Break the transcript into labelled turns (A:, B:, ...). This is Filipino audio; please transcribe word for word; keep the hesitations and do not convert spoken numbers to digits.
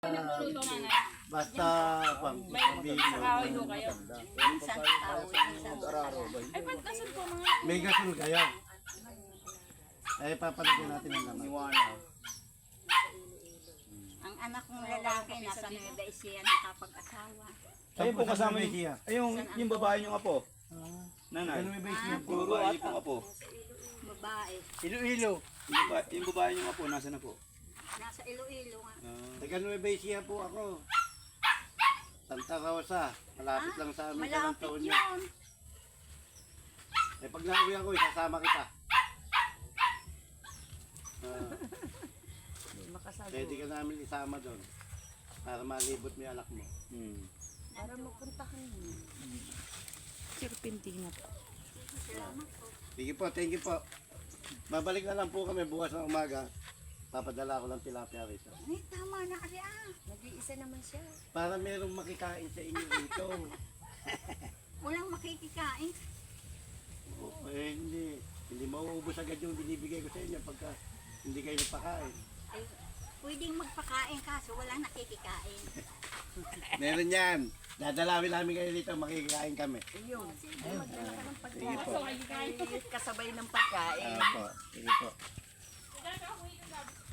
A: Luto nanay.
B: Basta pang sabihin
A: Sa kahoy ho kayo.
C: Minsan tao, minsan
A: Ay, ba't nasan po mga...
B: may gasol kayo. Ay, papalagyan natin ang laman.
C: Ang anak kong lalaki nasa Nueva Ecija nakapag-asawa.
D: Ayun po kasama
B: May
D: yung,
B: siya.
D: ayun, yung babae niyong apo. Nanay.
B: Ano may base niya?
D: Yung babae pong apo.
C: Babae.
B: Iloilo.
D: Yung babae, yung babae niyong apo, nasa na po?
C: Nasa Iloilo nga.
D: Ah,
B: Taga Nueva Ecija po ako. Santa Rosa. Malapit lang sa amin sa
C: Malapit
B: taon niyo.
C: yun.
B: Eh pag nauwi ako, isasama kita. Ah, pwede ka namin isama doon. Para malibot mo yung anak mo.
D: hmm.
C: Para mapuntahan mo.
A: Sirpintina po.
C: Salamat po.
B: Sige po, thank you po. Babalik na lang po kami bukas ng umaga. Papadala ko lang tilapia rito.
C: Ay, tama na kasi ah. Nag-iisa naman siya.
B: Para merong makikain sa inyo rito.
C: Walang makikikain.
B: Oh, eh, hindi. Hindi mauubos agad yung binibigay ko sa inyo pagka hindi kayo nagpakain.
C: Ay, pwedeng magpakain kaso walang nakikikain.
B: Meron yan. Dadalawin namin kayo dito, makikikain kami.
C: Ayun. Sige, magdala ka ng
B: Sige po.
C: pagkain. Kasabay ng pagkain.
B: Ah, po. Sige po.
A: Kaya ka, huwi ka